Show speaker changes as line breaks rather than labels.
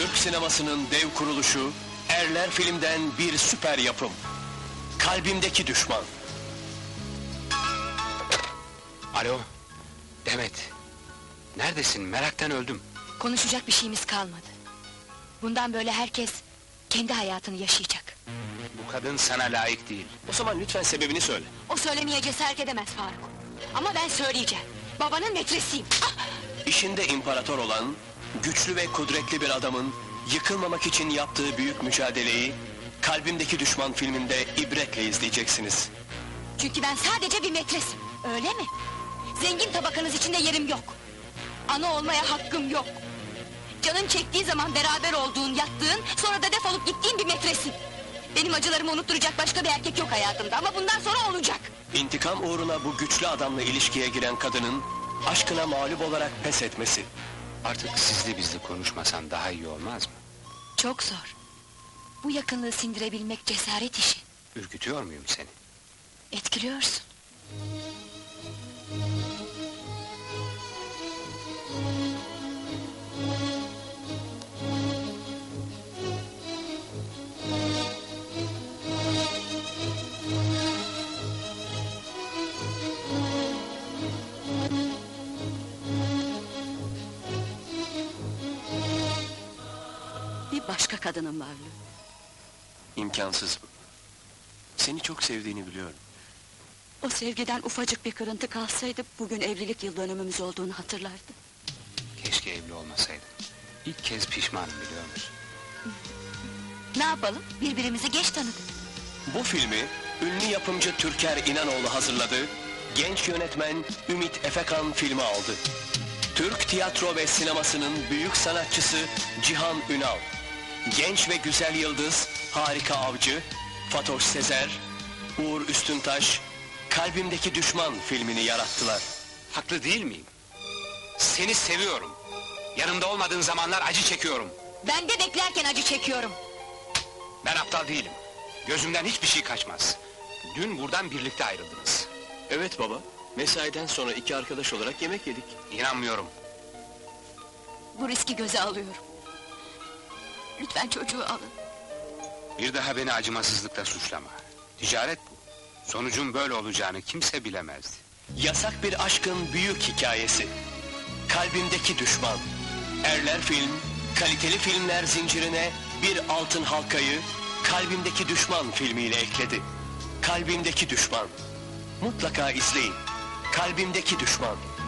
Türk sinemasının dev kuruluşu, Erler Film'den bir süper yapım. Kalbimdeki Düşman.
Alo, Demet. Neredesin? Meraktan öldüm.
Konuşacak bir şeyimiz kalmadı. Bundan böyle herkes kendi hayatını yaşayacak.
Bu kadın sana layık değil.
O zaman lütfen sebebini söyle.
O söylemeye cesaret edemez Faruk. Ama ben söyleyeceğim. Babanın metresiyim. Ah!
İşinde imparator olan, güçlü ve kudretli bir adamın yıkılmamak için yaptığı büyük mücadeleyi Kalbimdeki Düşman filminde ibretle izleyeceksiniz.
Çünkü ben sadece bir metresim. Öyle mi? Zengin tabakanız içinde yerim yok. Ana olmaya hakkım yok. Canın çektiği zaman beraber olduğun, yattığın, sonra da defolup gittiğin bir metresin. Benim acılarımı unutturacak başka bir erkek yok hayatımda ama bundan sonra olacak.
İntikam uğruna bu güçlü adamla ilişkiye giren kadının aşkına mağlup olarak pes etmesi.
Artık sizli bizli konuşmasan daha iyi olmaz mı?
Çok zor. Bu yakınlığı sindirebilmek cesaret işi.
Ürkütüyor muyum seni?
Etkiliyorsun. Bir başka kadının varlığı.
İmkansız bu. Seni çok sevdiğini biliyorum.
O sevgiden ufacık bir kırıntı kalsaydı, bugün evlilik yıl dönümümüz olduğunu hatırlardı.
Keşke evli olmasaydım. İlk kez pişmanım, biliyor musun?
Ne yapalım, birbirimizi geç tanıdık.
Bu filmi ünlü yapımcı Türker İnanoğlu hazırladı, genç yönetmen Ümit Efekan filmi aldı. Türk tiyatro ve sinemasının büyük sanatçısı Cihan Ünal, genç ve güzel yıldız Harika Avcı, Fatoş Sezer, Uğur Üstüntaş, Kalbimdeki Düşman filmini yarattılar.
Haklı değil miyim? Seni seviyorum. Yanımda olmadığın zamanlar acı çekiyorum.
Ben de beklerken acı çekiyorum.
Ben aptal değilim. Gözümden hiçbir şey kaçmaz. Dün buradan birlikte ayrıldınız.
Evet baba, mesaiden sonra iki arkadaş olarak yemek yedik.
İnanmıyorum.
Bu riski göze alıyorum. Lütfen çocuğu alın.
Bir daha beni acımasızlıkla suçlama. Ticaret bu. Sonucun böyle olacağını kimse bilemezdi.
Yasak bir aşkın büyük hikayesi. Kalbimdeki Düşman. Erler Film, kaliteli filmler zincirine bir altın halkayı Kalbimdeki Düşman filmiyle ekledi. Kalbimdeki Düşman. Mutlaka izleyin. Kalbimdeki Düşman.